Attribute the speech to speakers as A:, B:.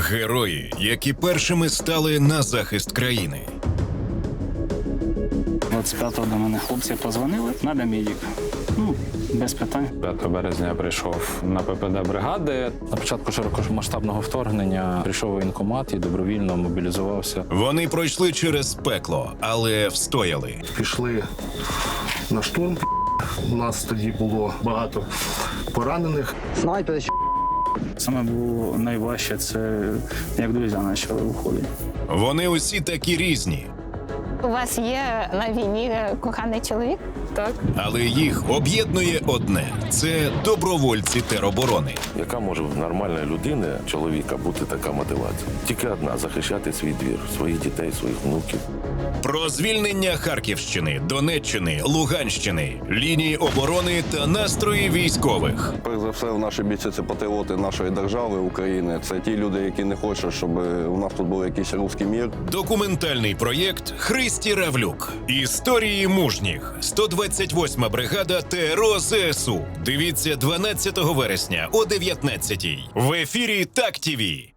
A: Герої, які першими стали на захист країни.
B: 25-го до мене хлопці позвонили, надо медик. Без питань.
C: 5 березня я прийшов на ППД бригади. На початку широкомасштабного вторгнення прийшов у воєнкомат і добровільно мобілізувався.
A: Вони пройшли через пекло, але встояли.
D: Пішли на штурм. У нас тоді було багато поранених.
B: Саме було найважче, це як друзі почали виходити.
A: Вони усі такі різні,
E: У вас є на війні коханий чоловік?
F: Так.
A: але їх об'єднує одне – це добровольці тероборони.
G: Яка може в нормальної людини, чоловіка, бути така мотивація? Тільки одна – захищати свій двір, своїх дітей, своїх внуків.
A: Про звільнення Харківщини, Донеччини, Луганщини, лінії оборони та настрої військових.
H: Перш за все, наші бійці – це патріоти нашої держави, України. Це ті люди, які не хочуть, щоб у нас тут був якийсь русський мір.
A: Документальний проєкт «Христі Равлюк. Історії мужніх. 128-ма бригада ТРО ЗСУ». Дивіться 12 вересня о 19-й. В ефірі ТАК-ТВ.